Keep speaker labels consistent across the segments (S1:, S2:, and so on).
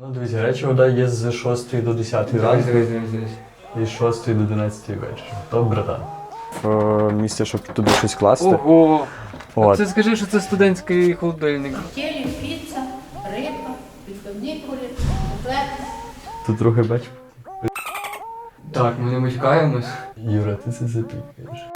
S1: Ну, дивіться, речі вода є з 6 до 10 ранку і з 6 до 11 вечора. То, братан. Місце, щоб туди щось класти.
S2: Ого!
S1: От.
S2: Це скажи, що це студентський холодильник.
S3: Тілі, піца, риба, відбивні курі, буфет.
S1: Тут трохи бач.
S2: Так, ми не мочкаємось.
S1: Юра, ти це запікаєш.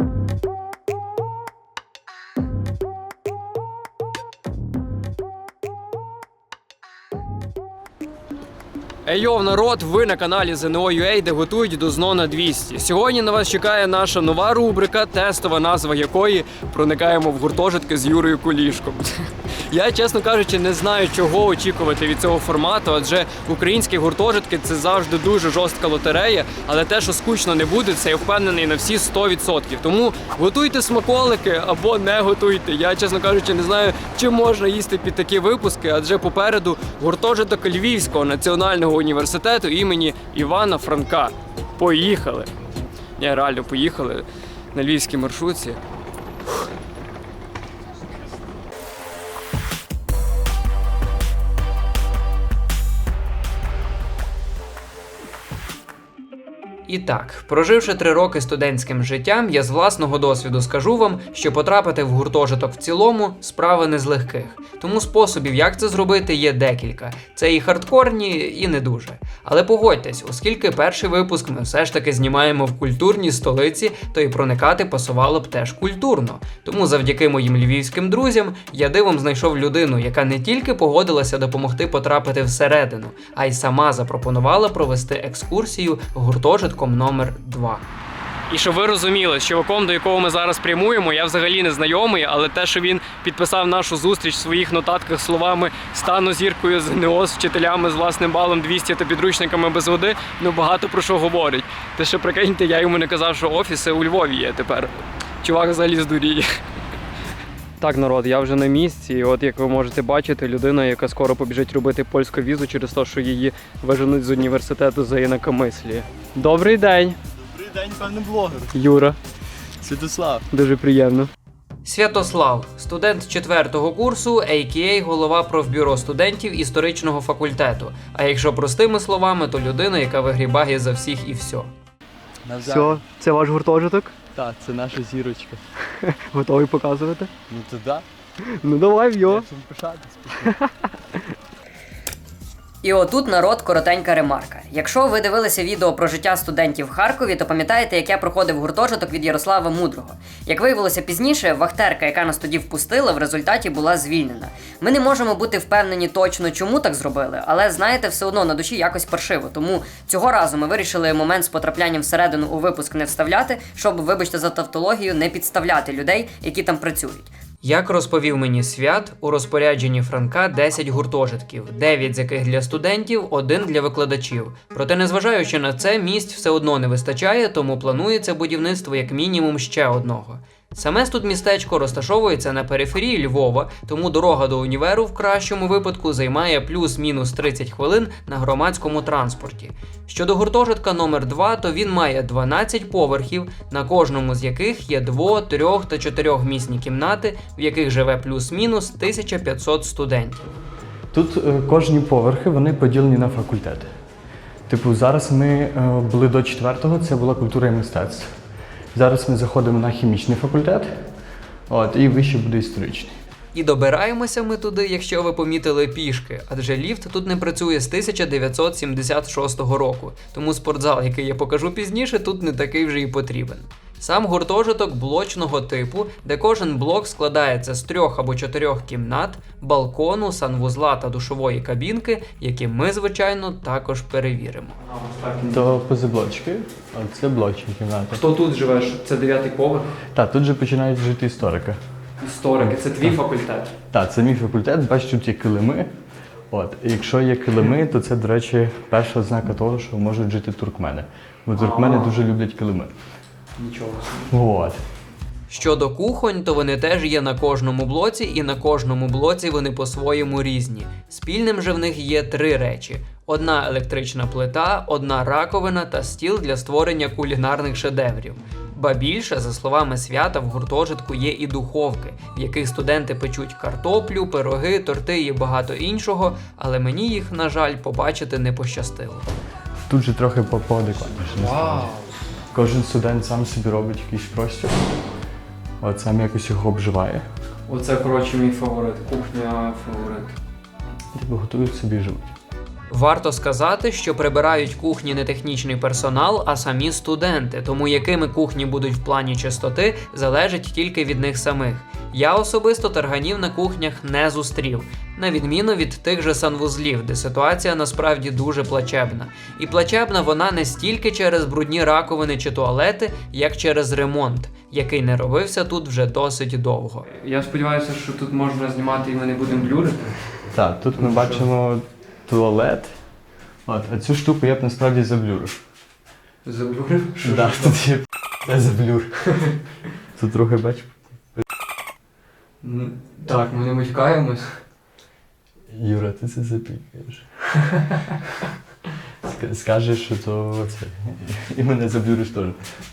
S2: Еййоу, народ, ви на каналі ЗНО.UA, де готують до ЗНО на 200. Сьогодні на вас чекає наша нова рубрика, тестова назва якої проникаємо в гуртожитки з Юрою Кулішком. Я, чесно кажучи, не знаю, чого очікувати від цього формату, адже українські гуртожитки – це завжди дуже жорстка лотерея, але те, що скучно не буде, це я впевнений на всі 100%. Тому готуйте смаколики або не готуйте. Я, чесно кажучи, не знаю, чи можна їсти під такі випуски, адже попереду гуртожиток Львівського національного університету імені Івана Франка. Поїхали! Ні, реально, поїхали на львівській маршрутці. І так, проживши 3 роки студентським життям, я з власного досвіду скажу вам, що потрапити в гуртожиток в цілому – справа не з легких. Тому способів, як це зробити, є декілька. Це і хардкорні, і не дуже. Але погодьтесь, оскільки перший випуск ми все ж таки знімаємо в культурній столиці, то і проникати пасувало б теж культурно. Тому завдяки моїм львівським друзям я дивом знайшов людину, яка не тільки погодилася допомогти потрапити всередину, а й сама запропонувала провести екскурсію гуртожитком номер 2. І щоб ви розуміли, з чуваком, до якого ми зараз прямуємо, я взагалі не знайомий, але те, що він підписав нашу зустріч в своїх нотатках словами «стану зіркою ЗНО з вчителями з власним балом 200 та підручниками без води», ну багато про що говорить. Те, що прикиньте, я йому не казав, що офіси у Львові є тепер. Чувак взагалі здуріє. Так, народ, я вже на місці, і от як ви можете бачити, людина, яка скоро побіжить робити польську візу через те, що її виженуть з університету за інакомисліє. Добрий день!
S4: Добрий день, певний блогер.
S2: Юра.
S4: Святослав.
S2: Дуже приємно. Святослав, студент 4-го курсу, а.к.а. голова профбюро студентів історичного факультету. А якщо простими словами, то людина, яка вигрібає за всіх і все.
S4: Все,
S2: це ваш гуртожиток?
S4: Так, це наша зірочка.
S2: Готовий показувати?
S4: Ну то да.
S2: Ну давай, в'йо.
S4: Чим пишатись.
S5: І отут, народ, коротенька ремарка. Якщо ви дивилися відео про життя студентів в Харкові, то пам'ятаєте, як я проходив гуртожиток від Ярослава Мудрого. Як виявилося пізніше, вахтерка, яка нас тоді впустила, в результаті була звільнена. Ми не можемо бути впевнені точно, чому так зробили, але, знаєте, все одно на душі якось паршиво. Тому цього разу ми вирішили момент з потраплянням всередину у випуск не вставляти, щоб, вибачте за тавтологію, не підставляти людей, які там працюють. Як розповів мені Свят, у розпорядженні Франка 10 гуртожитків, 9 з яких для студентів, 1 для викладачів. Проте, незважаючи на це, місць все одно не вистачає, тому планується будівництво як мінімум ще одного. Саме тут містечко розташовується на периферії Львова, тому дорога до універу в кращому випадку займає плюс-мінус 30 хвилин на громадському транспорті. Щодо гуртожитка номер 2, то він має 12 поверхів, на кожному з яких є 2-, 3- та 4-місні кімнати, в яких живе плюс-мінус 1500 студентів.
S1: Тут кожні поверхи, вони поділені на факультети. Типу, зараз ми були до 4-го, це була культура і мистецтво. Зараз ми заходимо на хімічний факультет, і вище буде історичний.
S5: І добираємося ми туди, якщо ви помітили, пішки, адже ліфт тут не працює з 1976 року, тому спортзал, який я покажу пізніше, тут не такий вже і потрібен. Сам гуртожиток блочного типу, де кожен блок складається з 3 або 4 кімнат, балкону, санвузла та душової кабінки, які ми, звичайно, також перевіримо.
S1: То позаблочки, а це блочні кімнати.
S2: Хто тут живеш? Це 9-й поверх?
S1: Так, тут же починають жити історики.
S2: Історики, це твій факультет.
S1: Так, це мій факультет, бачиш, тут є килими. І якщо є килими, то це, до речі, перша ознака того, що можуть жити туркмени. Бо туркмени дуже люблять килими.
S2: Нічого.
S5: Щодо кухонь, то вони теж є на кожному блоці, і на кожному блоці вони по-своєму різні. Спільним же в них є 3 речі.
S2: Одна електрична плита, одна раковина та стіл для створення кулінарних шедеврів. Ба більше, за словами Свята, в гуртожитку є і духовки, в яких студенти печуть картоплю, пироги, торти і багато іншого, але мені їх, на жаль, побачити не пощастило.
S1: Тут же трохи поадекватніше. насправді. Кожен студент сам собі робить якийсь простір, от сам якось його обживає,
S2: Оце, коротше, мій фаворит, кухня фаворит.
S1: типу готують собі і живуть.
S2: Варто сказати, що прибирають кухні не технічний персонал, а самі студенти, тому якими кухні будуть в плані чистоти, залежить тільки від них самих. Я особисто тарганів на кухнях не зустрів, на відміну від тих же санвузлів, де ситуація насправді дуже плачебна. І плачебна вона не стільки через брудні раковини чи туалети, як через ремонт, який не робився тут вже досить довго.
S6: Я сподіваюся, що тут можна знімати і ми не будемо блюрити.
S1: Так, тут ми бачимо туалет, от, а цю штуку я б насправді заблюрив.
S6: Заблюрив?
S1: Так, тут є заблюр. Тут трохи бачиш.
S6: Так, ми не мочкаємось.
S1: Юра, ти це запікаєш. Скажеш, що то це. І мене заблюриш теж.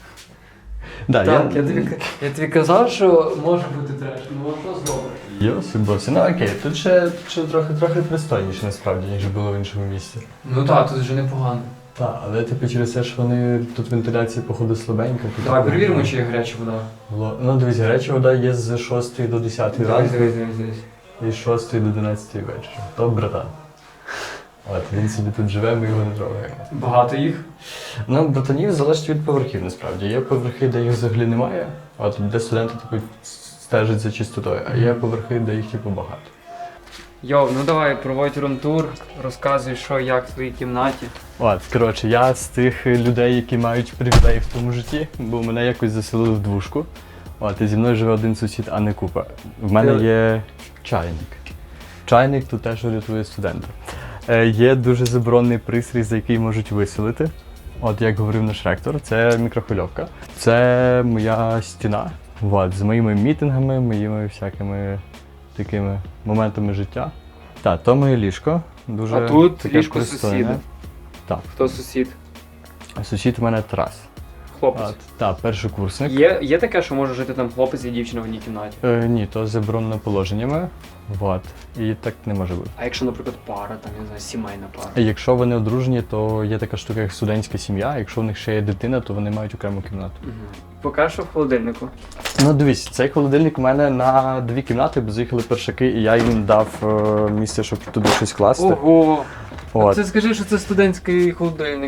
S1: Да,
S6: Так, я тобі казав, що може бути треш, ну а що зробиш?
S1: Йосип-босі. Ну окей, тут ще трохи пристойніше насправді, ніж було в іншому місці.
S6: Ну так, тут вже непогано.
S1: Так, але типу через те, що вони тут вентиляція походу слабенька. Тут
S6: Давай перевіримо, чи є гаряча вода.
S1: Ну дивись, гаряча вода є з 6 до 10 ранку
S6: Дивись.
S1: і з 6 до 11 вечора. То брата. От, він собі тут живе, ми його не трогаємо.
S6: Багато їх.
S1: Ну, братанів залежить від поверхів насправді. Є поверхи, де їх взагалі немає, от де студенти типу, стежать за чистотою, а є поверхи, де їх типу багато.
S6: Йоу, ну давай, проводь рум-тур, розказуй, що, як в твоїй кімнаті.
S1: От, коротше, я з тих людей, які мають привілеї в тому житті, бо мене якось заселили в двушку. От, і зі мною живе один сусід, а не купа. В мене є чайник. Чайник тут теж рятує студента. Є дуже заборонений пристрій, за який можуть виселити. От, як говорив наш ректор, це мікрохвильовка. Це моя стіна. От, з моїми мітингами, моїми всякими такими моментами життя. Так, то моє ліжко. Дуже
S6: А тут
S1: таке
S6: ліжко
S1: пристойне.
S6: сусіда.
S1: Так.
S6: Хто сусід?
S1: Сусід у мене Тарас.
S6: Хлопець.
S1: Так, першокурсник.
S6: Є таке, що може жити там хлопець і дівчина в одній кімнаті?
S1: Ні, то заборонено положеннями. Вот. І так не може бути.
S6: А якщо, наприклад, пара, там, я не знаю, сімейна пара?
S1: Якщо вони одружені, то є така штука, як студентська сім'я. Якщо в них ще є дитина, то вони мають окрему кімнату.
S6: Поки що в холодильнику.
S1: Ну дивись, цей холодильник у мене на 2 кімнати, бо заїхали першаки, і я їм дав місце, щоб туди щось класти.
S6: Ого!
S1: От.
S6: Це скажи, що це студентський холодильник.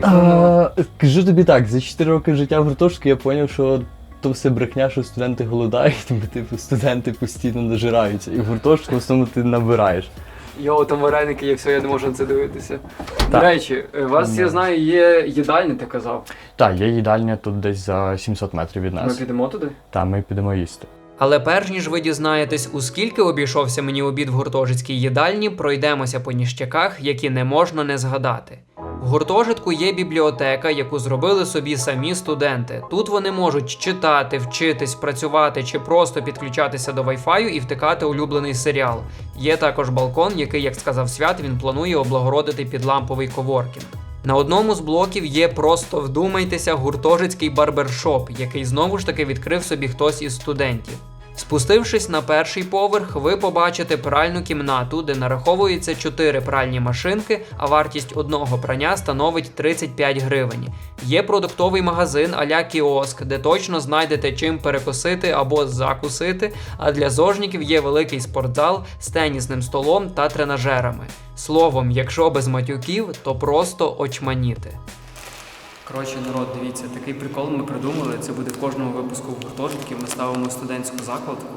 S1: Кажу тобі так, за 4 роки життя в гуртожитку я зрозумів, що то все брехня, що студенти голодають, бо типу студенти постійно нажираються. І в гуртожитку в основному ти набираєш.
S6: Йоу, там вареники є, все, я не можу на це дивитися. До
S1: Так.
S6: речі, у вас, я знаю, є їдальня, ти казав.
S1: Так, є їдальня тут десь за 700 метрів від
S6: Ми
S1: нас.
S6: підемо туди?
S1: Та ми підемо їсти.
S2: Але перш ніж ви дізнаєтесь, у скільки обійшовся мені обід в гуртожитській їдальні, пройдемося по ніштяках, які не можна не згадати. В гуртожитку є бібліотека, яку зробили собі самі студенти. Тут вони можуть читати, вчитись, працювати чи просто підключатися до Wi-Fi і втикати улюблений серіал. Є також балкон, який, як сказав Свят, він планує облагородити під ламповий коворкінг. На одному з блоків є, просто вдумайтеся, гуртожитський барбершоп, який знову ж таки відкрив собі хтось із студентів. Спустившись на перший поверх, ви побачите пральну кімнату, де нараховується 4 пральні машинки, а вартість одного прання становить 35 гривень. Є продуктовий магазин а-ля кіоск, де точно знайдете чим перекусити або закусити, а для зожніків є великий спортзал з тенісним столом та тренажерами. Словом, якщо без матюків, то просто очманіти.
S6: Коротше, народ, дивіться, такий прикол ми придумали. Це буде в кожному випуску в гуртожитку. Ми ставимо студентську закладку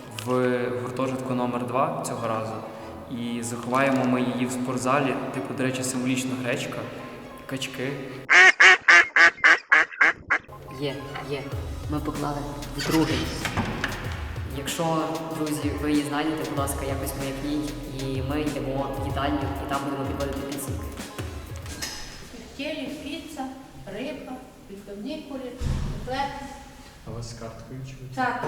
S6: в гуртожитку номер 2 цього разу. І заховаємо ми її в спортзалі, типу, до речі, символічна гречка, качки.
S5: Є. Ми поклали в другий. Якщо, друзі, ви її знайдете, будь ласка, якось маякніть, і ми йдемо в їдальню, і там будемо підводити підсумки.
S3: Тефтелі, піца, риба, відбивні курі, котлет.
S1: А у вас з карткою чи?
S3: Так.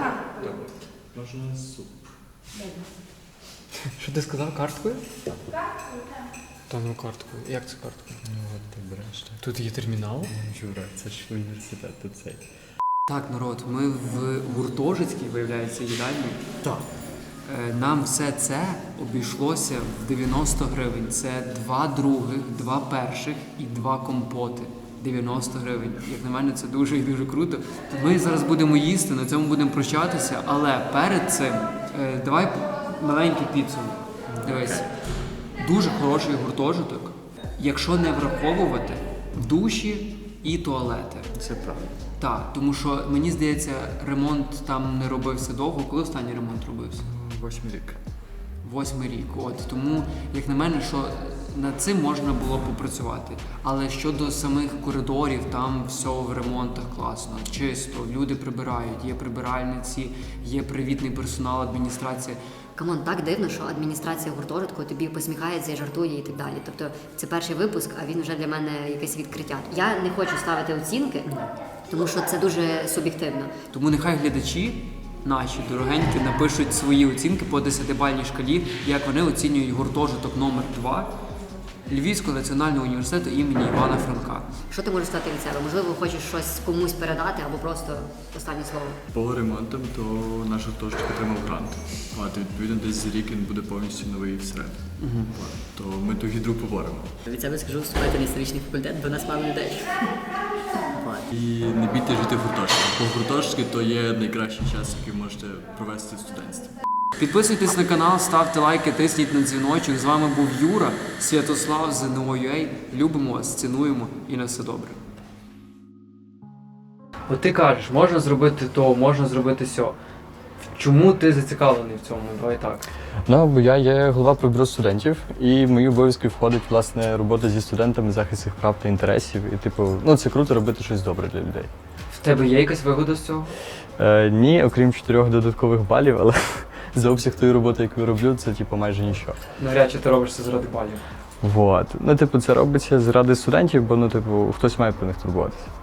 S1: Можна суп.
S6: Що ти сказав, карткою?
S3: Карткою, так.
S6: Та ну картку. Як це картка?
S4: Ну от ти береш так.
S6: Тут є термінал?
S4: Жура, це ж університет, тут цей.
S6: Так, народ, ми в гуртожитській, виявляється, їдальні.
S1: Так.
S6: Нам все це обійшлося в 90 гривень. Це 2 других, 2 перших і 2 компоти. 90 гривень. Як на мене, це дуже і дуже круто. Ми зараз будемо їсти, на цьому будемо прощатися, але перед цим давай маленький підсумок. Дивись, дуже хороший гуртожиток, якщо не враховувати душі і туалети.
S4: Це правда.
S6: Так, тому що мені здається, ремонт там не робився довго. Коли останній ремонт робився?
S4: 8 рік.
S6: 8 рік. От тому, як на мене, що над цим можна було попрацювати. Але щодо самих коридорів, там все в ремонтах класно, чисто, люди прибирають, є прибиральниці, є привітний персонал, адміністрація.
S7: Камон, так дивно, що адміністрація гуртожитку тобі посміхається і жартує і так далі. Тобто це перший випуск, а він вже для мене якесь відкриття. Я не хочу ставити оцінки, тому що це дуже суб'єктивно.
S6: Тому нехай глядачі наші дорогенькі напишуть свої оцінки по 10-бальній шкалі, як вони оцінюють гуртожиток номер 2 Львівського національного університету імені Івана Франка.
S7: Що ти можеш сказати від себе? Можливо, хочеш щось комусь передати або просто останнє слово.
S8: По ремонтам, то наш гуртожиток отримав грант. І відповідно десь за рік він буде повністю новий всередині. То ми ту гідру поборемо.
S5: Від себе скажу, вступайте на історичний факультет, бо нас мало людей.
S8: І не бійте жити в гуртожитку. Бо гуртожитки то є найкращий час, який можете провести в студентстві.
S6: Підписуйтесь на канал, ставте лайки, тисніть на дзвіночок. З вами був Юра, Святослав, ЗНО.UA. Любимо вас, цінуємо і на все добре. От ти кажеш, можна зробити то, можна зробити сьо. Чому ти зацікавлений в цьому? Давай так.
S1: Ну, бо я є голова про студентів, і в мої обов'язки входить, власне, робота зі студентами, захист їх прав та інтересів. І, типу, ну, це круто робити щось добре для людей.
S6: В тебе є якась вигода з цього?
S1: Ні, окрім 4 додаткових балів, але за обсяг тої роботи, яку я роблю, це, типу, майже нічого.
S6: Навряд чи ти робиш це заради балів.
S1: Вот. Ну, типу, це робиться заради студентів, бо, ну, типу, хтось має про них турбуватися.